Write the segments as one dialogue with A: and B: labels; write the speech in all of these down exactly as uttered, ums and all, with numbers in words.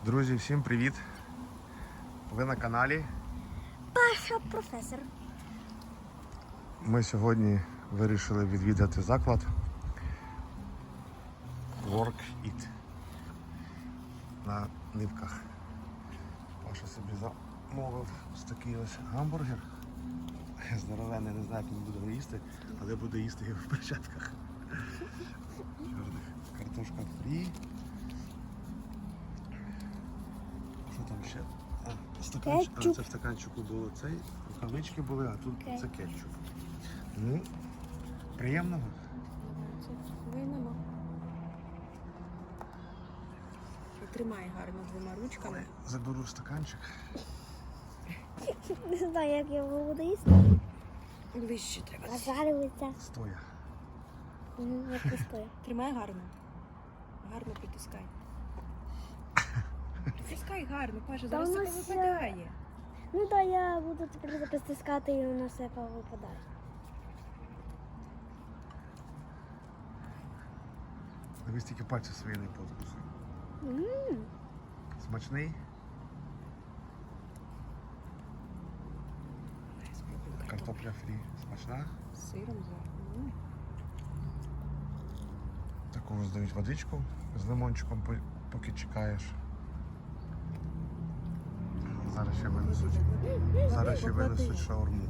A: Друзі, всім привіт! Ви на каналі.
B: Паша професор.
A: Ми сьогодні вирішили відвідати заклад Work It на Нивках. Паша собі замовив ось такий ось гамбургер. Здоровенний, не знаю, як він буде їсти, але буде їсти його в перчатках. Чорних. Картошка фрі. Що там ще? А, стаканчик. А, це в стаканчику було цей, рукавички були, а тут
B: Кетчуп.
A: це кетчуп. Ну, приємного.
C: Виймемо. Тримай гарно двома ручками.
A: Заберу стаканчик.
B: Не знаю, як я його буду їсти.
C: Ближче треба.
B: Нажарюється.
A: Стоя.
B: Мгм, як пустує.
C: Тримай гарно. Гарно притискай. Притискай гарно, Паша, зараз
B: Та
C: це
B: воно ще-
C: повипадає.
B: Ну так, я буду тепер притискати і воно все повипадає.
A: Дивись, тільки пальці свої не позбуси.
B: Ммм.
A: Смачний.
C: Спробуй
A: Картопля фрі. Смачна.
C: з сиром за. М.
A: Таку здають водичку з лимончиком, по- поки чекаєш. Зараз ще винесуть. Зараз ще
C: Поклади.
A: винесуть шаурму.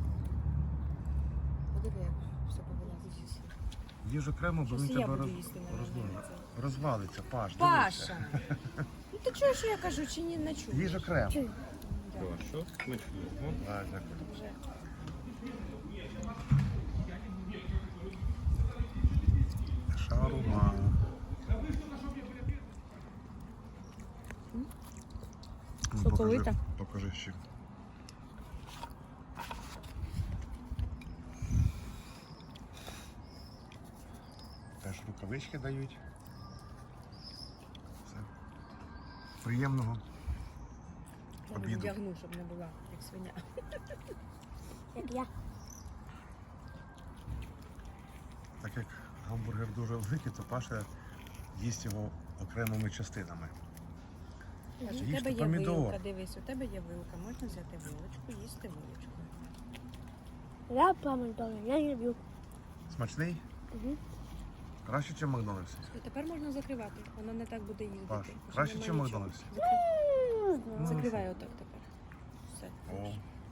C: Подиви, як все повилазить.
A: Їж окремо, бо він
C: Щось і я
A: тебе
C: буду
A: роз...
C: їсти, наверное,
A: розвалиться.
C: це.
A: Розвалиться, Паш, дивися.
C: Паша! Ну ти чуєш, що я кажу, чи ні, не чуєш?
A: Їж окремо.
B: Чую.
C: Да.
D: Хорошо, смачного.
A: Да, дякую.
C: Вже.
A: Шаурма. Ну,
C: Соковита.
A: Покажи, покажи ще. Теж рукавички дають. Все. Приємного.
C: Я не
A: Обіду.
C: вдягну, щоб не була, як свиня.
B: Як я.
A: Так як гамбургер дуже великий, то Паша їсть його окремими частинами.
C: Паша, у
A: Їж
C: тебе
A: ти
C: є
A: помідор.
C: вилка, дивись, у тебе є вилка, можна взяти вилочку, їсти вилочку.
B: Я помидори, я не люблю.
A: Смачний?
B: Угу.
A: Краще, ніж Макдональдс.
C: І тепер можна закривати, вона не так буде їздити.
A: Паш,
C: Вже
A: краще,
C: нема
A: чим
C: нічого.
A: Макдональдс?
C: Закри-
A: Ну,
C: Закривай отак тепер. Все.
A: О,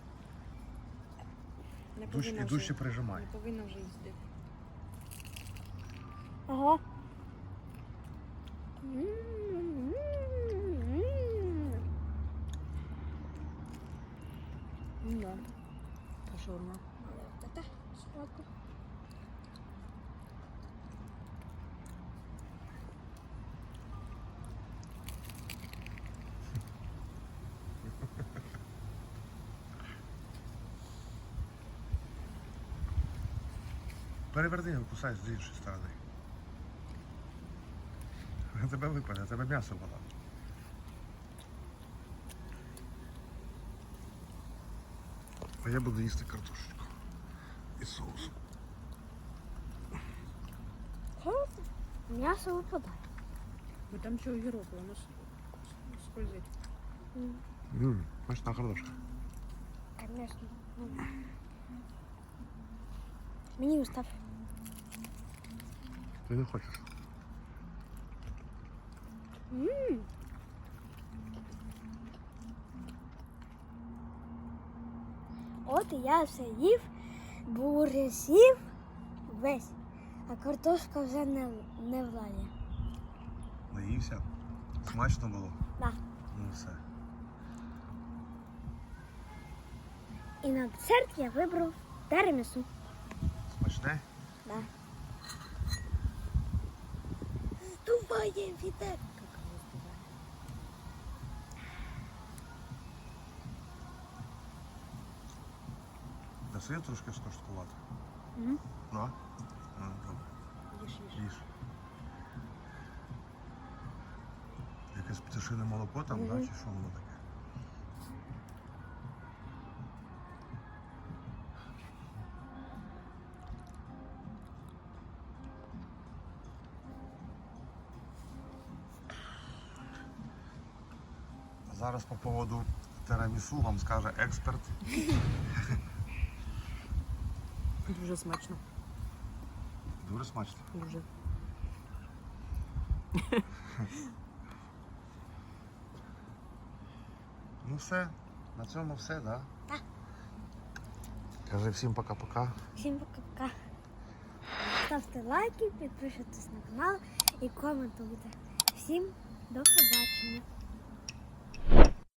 C: Не
A: душ, і
C: повинна
A: дужче
C: вже,
A: прижимай.
C: не повинна вже їздити.
B: Ага. М-м-м.
C: Ну да. Та шаурма.
B: Та-та, сладко.
A: Переверни його, кусай з іншої сторони. Тебе випаде, тебе м'ясо було. А я буду їсти картошечку із соусом.
B: Хорошо. М'ясо випадає.
C: Бо там що огірок, воно с- скользить.
A: Ммм, смачна картошка.
B: Конечно. Мені устав.
A: Ти не хочеш?
B: Ммм. От і я все їв, бургер сів весь, а картошка вже не, не владі.
A: Наївся? Смачно було?
B: Да.
A: Ну все.
B: І на десерт я вибрав тирамісу.
A: Смачне?
B: Да. Здуває вітер.
A: Даси я трошки скоштувати?
B: Мгм.
A: Да? Ну, добре.
C: Їж, їж.
A: Їж. Якесь пташине молоко там,
B: Мгм.
A: да, чи що воно таке? зараз по поводу тирамісу вам скаже експерт.
C: Дуже смачно.
A: Дуже смачно.
C: Дуже.
A: Ну все, на цьому все, да?
B: Так.
A: Кажи всім пока-пока.
B: Всім пока-пока. Ставте лайки, підписуйтесь на канал і коментуйте. Всім до побачення.